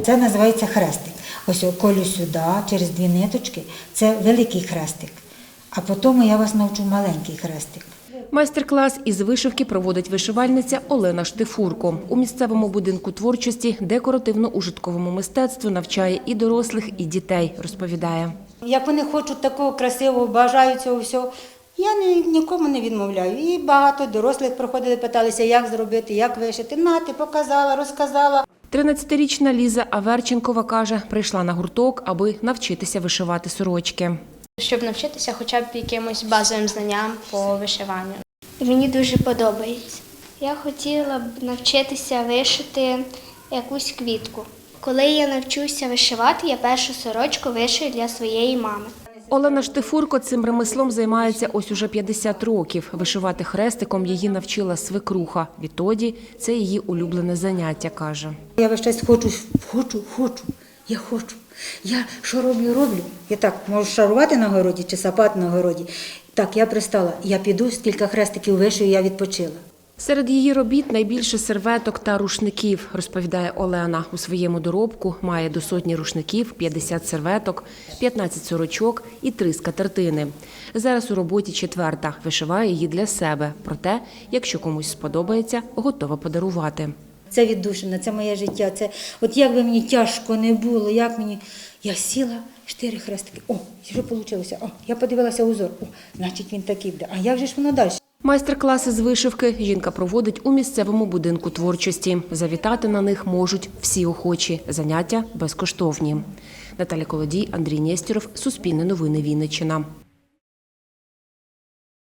Це називається хрестик. Ось колю сюди, через 2 ниточки, це великий хрестик. А потім я вас навчу маленький хрестик. Майстер-клас із вишивки проводить вишивальниця Олена Штифурко. У місцевому будинку творчості декоративно-ужитковому мистецтву навчає і дорослих, і дітей, розповідає. Як вони хочуть такого красивого, бажають цього всього, я нікому не відмовляю. І багато дорослих приходили, питалися, як зробити, як вишити. Ти показала, розказала. 13-річна Ліза Аверченкова каже, прийшла на гурток, аби навчитися вишивати сорочки. Щоб навчитися хоча б якимось базовим знанням по вишиванню. Мені дуже подобається. Я хотіла б навчитися вишити якусь квітку. Коли я навчуся вишивати, я першу сорочку вишию для своєї мами. Олена Штифурко цим ремеслом займається ось уже 50 років. Вишивати хрестиком її навчила свекруха. Відтоді це її улюблене заняття, каже. Я весь час хочу. Я що роблю. Я так можу шарувати на городі чи сапати на городі. Так, я пристала. Я піду, скільки хрестиків вишию, я відпочила. Серед її робіт найбільше серветок та рушників, розповідає Олена. У своєму доробку має до 100 рушників, 50 серветок, 15 сорочок і 3 скатертини. Зараз у роботі 4-та, вишиває її для себе. Проте, якщо комусь сподобається, готова подарувати. Це віддушина, це моє життя. Це, от як би мені тяжко не було, я сіла, 4 хрестики. Що вийшло? Я подивилася узор. Значить він такий буде. А як же ж воно далі? Майстер-класи з вишивки жінка проводить у місцевому будинку творчості. Завітати на них можуть всі охочі. Заняття безкоштовні. Наталя Колодій, Андрій Нєстєров, Суспільне новини, Вінниччина.